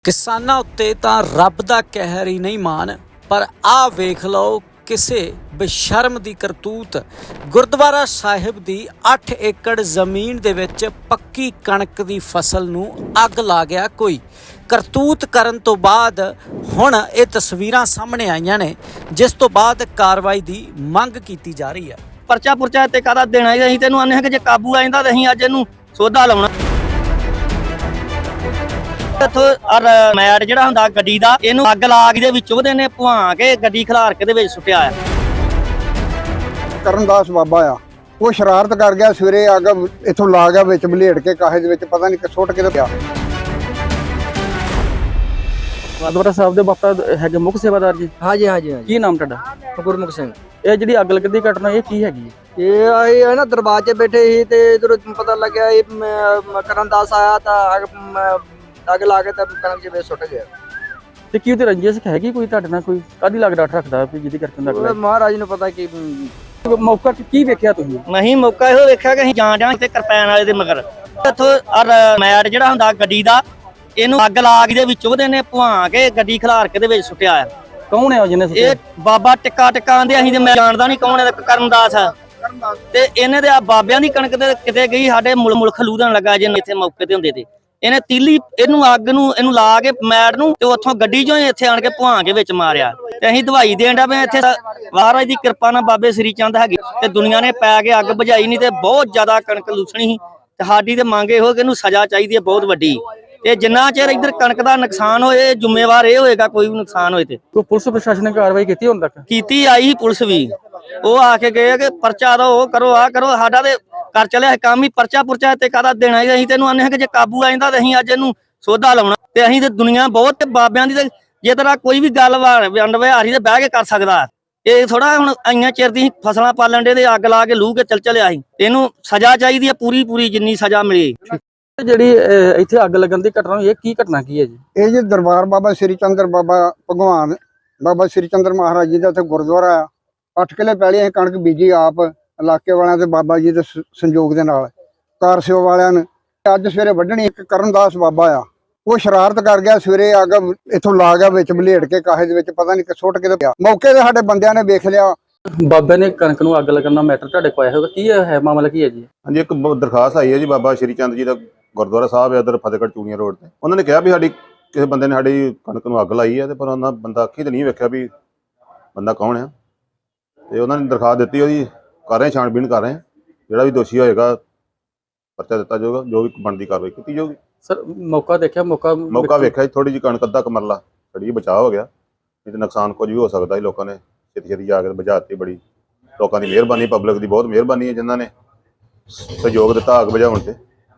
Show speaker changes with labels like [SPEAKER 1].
[SPEAKER 1] ਕਿਸਾਨਾਂ ਉੱਤੇ ਤਾਂ ਰੱਬ ਦਾ ਕਹਿਰ ਹੀ ਨਹੀਂ ਮਾਨ, ਪਰ ਆਹ ਵੇਖ ਲਓ ਕਿਸੇ ਬੇਸ਼ਰਮ ਦੀ ਕਰਤੂਤ। ਗੁਰਦੁਆਰਾ ਸਾਹਿਬ ਦੀ 8 ਏਕੜ ਜ਼ਮੀਨ ਦੇ ਵਿੱਚ ਪੱਕੀ ਕਣਕ ਦੀ ਫਸਲ ਨੂੰ ਅੱਗ ਲਾ ਗਿਆ ਕੋਈ। ਕਰਤੂਤ ਕਰਨ ਤੋਂ ਬਾਅਦ ਹੁਣ ਇਹ ਤਸਵੀਰਾਂ ਸਾਹਮਣੇ ਆਈਆਂ ਨੇ, ਜਿਸ ਤੋਂ ਬਾਅਦ ਕਾਰਵਾਈ ਦੀ ਮੰਗ ਕੀਤੀ ਜਾ ਰਹੀ ਹੈ।
[SPEAKER 2] ਪਰਚਾ ਪੁਰਚਾ ਤੇ ਕਾਹਦਾ ਦੇਣਾ, ਅਸੀਂ ਤੈਨੂੰ ਆਨੇ ਹਾਂ ਕਿ ਜੇ ਕਾਬੂ ਆ ਜਾਂਦਾ ਤਾਂ ਅਸੀਂ ਅੱਜ ਇਹਨੂੰ ਸੋਧਾ ਲਾਉਣਾ। ਇੱਥੋਂ ਮੈਟ ਜਿਹੜਾ ਹੁੰਦਾ ਗੱਡੀ ਦਾ, ਇਹਨੂੰ ਅੱਗ ਲਾ ਕੇ ਦੇ ਵਿੱਚ ਉਹਦੇ ਨੇ ਭਵਾ ਕੇ ਗੱਡੀ ਖਿਲਾਰ ਕੇ ਦੇ ਵਿੱਚ ਸੁੱਟਿਆ ਆ।
[SPEAKER 3] ਕਰਨਦਾਸ ਬਾਬਾ ਆ, ਉਹ ਸ਼ਰਾਰਤ ਕਰ ਗਿਆ। ਸਵੇਰੇ ਅੱਗ ਇੱਥੋਂ ਲਾ ਗਿਆ, ਵਿੱਚ ਬਲੇਡ ਕੇ ਕਾਹੇ ਦੇ ਵਿੱਚ ਪਤਾ ਨਹੀਂ ਸੁੱਟ ਕੇ ਤੇ ਪਿਆ।
[SPEAKER 4] ਗੁਰਦੁਆਰਾ ਸਾਹਿਬ ਦੇ ਬਾਪਾ ਹੈਗੇ ਮੁੱਖ ਸੇਵਾਦਾਰ ਜੀ।
[SPEAKER 5] ਹਾਂਜੀ ਹਾਂਜੀ
[SPEAKER 4] ਕੀ ਨਾਮ ਤੁਹਾਡਾ?
[SPEAKER 5] ਗੁਰਮੁਖ ਸਿੰਘ।
[SPEAKER 4] ਇਹ ਜਿਹੜੀ ਅੱਗ ਲੱਗਣ ਦੀ ਘਟਨਾ ਇਹ ਕੀ ਹੈਗੀ ਹੈ?
[SPEAKER 5] ਇਹ ਆਏ ਹੈ ਨਾ ਦਰਬਾਜ਼ੇ ਬੈਠੇ ਸੀ ਤੇ ਇਧਰੋਂ ਪਤਾ ਲੱਗਿਆ ਇਹ ਕਰਨਦਾਸ ਆਇਆ ਤਾਂ ਅੱਗ ਲਾ ਕੇ ਤਾਂ ਕਣਕ ਜਿਵੇਂ ਸੁੱਟ ਗਿਆ।
[SPEAKER 4] ਤੇ ਕੀ ਉਹਦੀ ਰੰਜਿਸ਼ ਹੈਗੀ ਕੋਈ ਤੁਹਾਡੇ ਨਾਲ? ਕੋਈ ਕਾਹਦੀ ਲੱਗ ਡਾਟ ਰੱਖਦਾ ਵੀ ਜਿਹਦੀ ਕਰਕੇ ਅੱਗ ਲੱਗੀ?
[SPEAKER 5] ਮਹਾਰਾਜ ਨੂੰ ਪਤਾ ਕੀ
[SPEAKER 4] ਮੌਕਾ ਕੀ ਵੇਖਿਆ ਤੁਸੀਂ?
[SPEAKER 2] ਨਹੀਂ ਮੌਕਾ ਇਹੋ ਵੇਖਿਆ ਕਿ ਅਸੀਂ ਜਾਣ ਤੇ ਕਿਰਪਾਨ ਵਾਲੇ ਦੇ ਮਗਰ ਇੱਥੋਂ ਮੈਟ ਜਿਹੜਾ ਹੁੰਦਾ ਗੱਡੀ ਦਾ, ਇਹਨੂੰ ਅੱਗ ਲਾ ਕੇ ਦੇ ਵਿੱਚ ਉਹਦੇ ਨੇ ਭਵਾ ਕੇ ਗੱਡੀ ਖਿਲਾਰ ਕੇ ਦੇ ਵਿੱਚ ਸੁੱਟਿਆ ਆ।
[SPEAKER 4] ਕੌਣ ਹੈ ਜਿਹਨੇ
[SPEAKER 2] ਇਹ ਬਾਬਾ ਟਿੱਕਾ ਆਂਦੇ, ਅਸੀਂ ਤੇ ਮੈਂ ਜਾਣਦਾ ਨਹੀਂ ਕੌਣ ਹੈ। ਕਰਨਦਾਸ ਆ ਤੇ ਇਹਨੇ ਦੇ ਆ ਬਾਬਿਆਂ ਦੀ ਕਣਕ ਤੇ ਕਿਤੇ ਗਈ, ਸਾਡੇ ਮੁਲ ਖਲੂਦਣ ਲੱਗਾ ਜੇ ਇੱਥੇ ਮੌਕੇ ਤੇ ਹੁੰਦੇ ਤੇ ਇਹਨੇ ਤੀਲੀ ਇਹਨੂੰ ਅੱਗ ਨੂੰ ਇਹਨੂੰ ਲਾ ਕੇ ਮੈਟ ਨੂੰ ਤੇ ਉੱਥੋਂ ਗੱਡੀ ਚੋਂ ਇੱਥੇ ਆਣ ਕੇ ਭਵਾ ਕੇ ਵਿੱਚ ਮਾਰਿਆ। ਤੇ ਅਸੀਂ ਦਵਾਈ ਦੇਣ ਦਾ ਮੈਂ ਇੱਥੇ ਮਹਾਰਾਜ ਦੀ ਕਿਰਪਾ ਨਾਲ ਬਾਬੇ ਸ੍ਰੀ ਚੰਦ ਹੈਗੇ ਤੇ ਦੁਨੀਆ ਨੇ ਪੈ ਕੇ ਅੱਗ ਬੁਝਾਈ ਨਹੀਂ ਤੇ ਬਹੁਤ ਜ਼ਿਆਦਾ ਕਣਕ ਲੂਸਣੀ ਸੀ। ਤੇ ਸਾਡੀ ਤੇ ਮੰਗ ਇਹੋ ਕਿ ਇਹਨੂੰ ਸਜ਼ਾ ਚਾਹੀਦੀ ਹੈ ਬਹੁਤ ਵੱਡੀ। ਤੇ ਜਿੰਨਾ ਚਿਰ ਇੱਧਰ ਕਣਕ ਦਾ ਨੁਕਸਾਨ ਹੋਏ, ਜ਼ਿੰਮੇਵਾਰ ਇਹ ਹੋਏਗਾ ਕੋਈ ਵੀ ਨੁਕਸਾਨ ਹੋਏ ਤੇ।
[SPEAKER 4] ਕੋਈ ਪੁਲਿਸ ਪ੍ਰਸ਼ਾਸਨ ਨੇ ਕਾਰਵਾਈ ਕੀਤੀ ਹੁਣ ਤੱਕ?
[SPEAKER 2] ਕੀਤੀ ਆਈ ਸੀ ਪੁਲਿਸ ਵੀ, ਉਹ ਆ ਕੇ ਗਏ ਕਿ ਪਰਚਾ ਦੋ, ਉਹ ਕਰੋ, ਆ ਕਰੋ। ਸਾਡਾ ਤੇ ਕਰ ਚੱਲਿਆ ਕੰਮ ਹੀ ਪਰਚਾ ਪੁਰਚਾ ਤੇ ਕਾਹਦਾ ਦੇਣਾ। ਅਸੀਂ ਤੈਨੂੰ ਆਨੇ ਹਾਂ ਕਿ ਜੇ ਕਾਬੂ ਆ ਜਾਂਦਾ ਤਾਂ ਅਸੀਂ ਅੱਜ ਇਹਨੂੰ ਸੋਧਾ ਲਾਉਣਾ। ਤੇ ਅਸੀਂ ਤੇ ਦੁਨੀਆ ਬਹੁਤ ਬਾਬਿਆਂ ਦੀ, ਤੇ ਜੇ ਤੇਰਾ ਕੋਈ ਵੀ ਗੱਲ ਵੰਡ ਵਿਹਾਰੀ ਤੇ ਬਹਿ ਕੇ ਕਰ ਸਕਦਾ। ਇਹ ਥੋੜਾ ਹੁਣ ਆਈਆਂ ਚਿਰ ਦੀ ਫਸਲਾਂ ਪਾਲਣ ਦੇ ਅੱਗ ਲਾ ਕੇ ਲੂ ਕੇ ਚੱਲਿਆ ਸੀ। ਇਹਨੂੰ ਸਜ਼ਾ ਚਾਹੀਦੀ ਹੈ ਪੂਰੀ ਜਿੰਨੀ ਸਜ਼ਾ ਮਿਲੇ।
[SPEAKER 4] ਜਿਹੜੀ ਇੱਥੇ ਅੱਗ ਲੱਗਣ ਦੀ ਘਟਨਾ ਇਹ ਕੀ ਘਟਨਾ ਕੀ ਹੈ ਜੀ?
[SPEAKER 3] ਇਹ ਜੀ ਦਰਬਾਰ ਬਾਬਾ ਸ੍ਰੀ ਚੰਦਰ ਬਾਬਾ ਭਗਵਾਨ ਬਾਬਾ ਸ੍ਰੀ ਚੰਦਰ ਮਹਾਰਾਜ ਜੀ ਦਾ ਉੱਥੇ ਗੁਰਦੁਆਰਾ ਆ। 8 ਕਿੱਲੇ ਪਹਿਲੇ ਅਸੀਂ ਕਣਕ ਬੀਜੀ ਆਪ, ਇਲਾਕੇ ਵਾਲਿਆਂ ਤੇ ਬਾਬਾ ਜੀ ਦੇ ਸੰਯੋਗ ਦੇ ਨਾਲ, ਕਾਰਸਿਓ ਵਾਲਿਆਂ ਨੇ। ਅੱਜ ਸਵੇਰੇ ਵੱਢਣੀ। ਇੱਕ ਕਰਨਦਾਸ ਬਾਬਾ ਆ, ਉਹ ਸ਼ਰਾਰਤ ਕਰ ਗਿਆ। ਸਵੇਰੇ ਅੱਗ ਇੱਥੋਂ ਲਾ ਗਿਆ, ਵਿੱਚ ਬਲੇਡ ਕੇ ਕਾਹੇ ਦੇ ਵਿੱਚ ਪਤਾ ਨਹੀਂ ਸੁੱਟ ਕੇ ਤੇ ਪਿਆ। ਮੌਕੇ ਤੇ ਸਾਡੇ ਬੰਦਿਆਂ ਨੇ ਵੇਖ ਲਿਆ।
[SPEAKER 4] ਬਾਬੇ ਨੇ ਕਣਕ ਨੂੰ ਅੱਗ ਲੱਗਣ ਦਾ ਮੈਟਰ ਤੁਹਾਡੇ ਕੋਲ ਆਇਆ ਹੋਗਾ, ਕੀ ਹੈ ਮਾਮਲਾ ਕੀ ਹੈ ਜੀ?
[SPEAKER 6] ਹਾਂਜੀ, ਇੱਕ ਦਰਖਾਸਤ ਆਈ ਹੈ ਜੀ ਬਾਬਾ ਸ਼੍ਰੀ ਚੰਦ ਜੀ ਦਾ ਗੁਰਦੁਆਰਾ ਸਾਹਿਬ ਹੈ ਉਧਰ ਫਤਿਹਗੜ੍ਹ ਚੂੜੀਆਂ ਰੋਡ ਤੇ। ਉਹਨਾਂ ਨੇ ਕਿਹਾ ਵੀ ਸਾਡੀ ਕਿਸੇ ਬੰਦੇ ਨੇ ਸਾਡੀ ਕਣਕ ਨੂੰ ਅੱਗ ਲਾਈ ਹੈ, ਤੇ ਪਰ ਉਹਨਾਂ ਬੰਦਾ ਅੱਖੀ ਤੇ ਨਹੀਂ ਵੇਖਿਆ ਵੀ ਬੰਦਾ ਕੌਣ ਹੈ। ਤੇ ਉਹਨਾਂ ਨੇ ਦਰਖਾਸਤ ਦਿੱਤੀ, ਉਹਦੀ ਕਰ ਰਹੇ ਛਾਣਬੀਣ ਕਰ ਰਹੇ। ਜਿਹੜਾ ਵੀ ਦੋਸ਼ੀ ਹੋਏਗਾ ਪਰਚਾ ਦਿੱਤਾ ਜਾਊਗਾ, ਜੋ ਵੀ ਬਣਦੀ ਕਾਰਵਾਈ ਕੀਤੀ ਜਾਊਗੀ।
[SPEAKER 4] ਸਰ ਮੌਕਾ ਦੇਖਿਆ? ਮੌਕਾ
[SPEAKER 6] ਵੇਖਿਆ ਜੀ, ਥੋੜੀ ਜਿਹੀ ਕਣਕ ਅੱਧਾ ਕਮਰਲਾ ਛੜੀ ਬਚਾਅ ਹੋ ਗਿਆ, ਨਹੀਂ ਤੇ ਨੁਕਸਾਨ ਕੁਝ ਵੀ ਹੋ ਸਕਦਾ ਸੀ। ਲੋਕਾਂ ਨੇ ਛੇਤੀ ਜਾ ਕੇ ਬੁਝਾ ਦਿੱਤੀ। ਬੜੀ ਲੋਕਾਂ ਦੀ ਮਿਹਰਬਾਨੀ, ਪਬਲਿਕ ਦੀ ਬਹੁਤ ਮਿਹਰਬਾਨੀ ਹੈ ਜਿਨ੍ਹਾਂ ਨੇ ਸਹਿਯੋਗ ਦਿੱਤਾ ਅੱਗ ਬੁਝਾਉਣ ਤੇ।